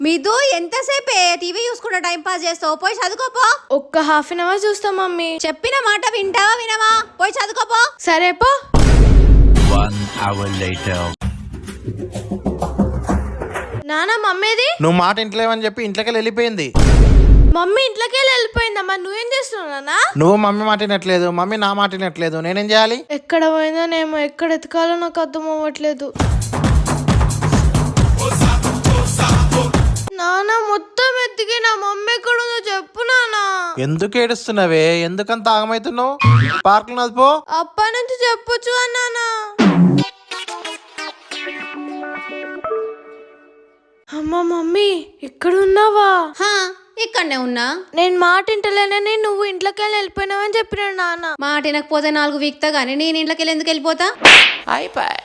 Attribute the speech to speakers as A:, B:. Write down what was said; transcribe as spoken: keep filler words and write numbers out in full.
A: మీతో ఎంతసేపే టీవీ చూసుకుంటా టైం పాస్ చేస్తావు? పోయి చదువుకోపో.
B: ఒక్క హాఫ్ అన్ అవర్ చూస్తా మమ్మీ.
A: చెప్పిన మాట వింటావా వినవా? పోయి చదువుకోపో.
B: సరే పో.
C: One hour later.
B: నానా మమ్మీది?
D: నువ్వు మాట ఇంట్లేవని చెప్పి ఇంట్లోకి వెళ్ళిపోయింది.
B: మమ్మీ ఇంట్లోకి వెళ్ళి వెళ్ళిపోయిందమ్మా. నువ్వేం చేస్తున్నావు నాన్న?
D: నువ్వు మమ్మీ మాట వినట్లేదు, మమ్మీ నా మాట వినట్లేదు. నేనేం చేయాలి?
B: ఎక్కడ పోయిందోనేమో, ఎక్కడ ఎతకాలో నాకు అర్థం అవ్వట్లేదు. నాన్న మొత్తం ఎత్తికి నా మమ్మీ ఎక్కడ ఉందో చెప్పు నానా.
D: ఎందుకు ఏడుస్తున్నావే? ఎందుకంత ఆగమవుతున్నావు? పార్క్ నదిపో.
B: అప్పటి నుంచి చెప్పొచ్చు అన్నానా. అమ్మ మమ్మీ ఇక్కడ ఉన్నావా?
A: హా, ఇక్కడనే ఉన్నా.
B: నేను మాట ఇంటలేనని నువ్వు ఇంట్లోకి వెళ్ళి వెళ్ళిపోయినావని చెప్పినాడు నాన్న.
A: మాట వినకపోతే నాలుగు వీక్తా గానీ నేను ఇంట్లోకి వెళ్ళి ఎందుకు వెళ్ళిపోతా?
B: అయిపోయి